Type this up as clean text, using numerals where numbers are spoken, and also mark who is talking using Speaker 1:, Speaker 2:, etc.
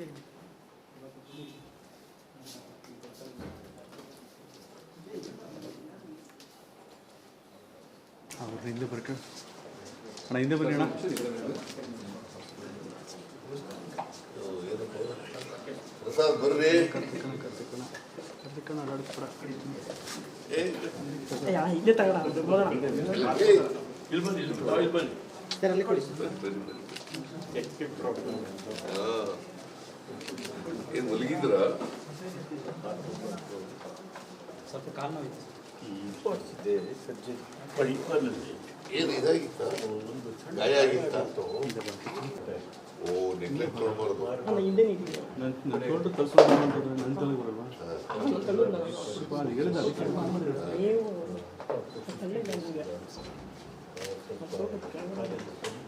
Speaker 1: ಹಿಂದೆ ಬರ್ಕ ಅಣ್ಣ ಹಿಂದೆ ಬನ್ನಿ ಅಣ್ಣ.
Speaker 2: ಪ್ರಸಾದ್ ಬರ್ರಿ.
Speaker 3: ಇಲ್ಲೇ ತಗೋಣ
Speaker 2: ಏನ್ ಮಲಗಿದ್ರ?
Speaker 3: ಸ್ವಲ್ಪ ಕಾಲು ನೋವಿತ್ತು.
Speaker 2: ಏನು ಇದಾಗಿತ್ತ? ಗಾಯ ಆಗಿತ್ತ? ಓ ನೆಗ್ಲೆಕ್ಟ್ ಮಾಡಬಾರ್ದು.
Speaker 3: ಅಲ್ಲ ಹಿಂದೆ ನಿಂತಿದೆ. ನೀವು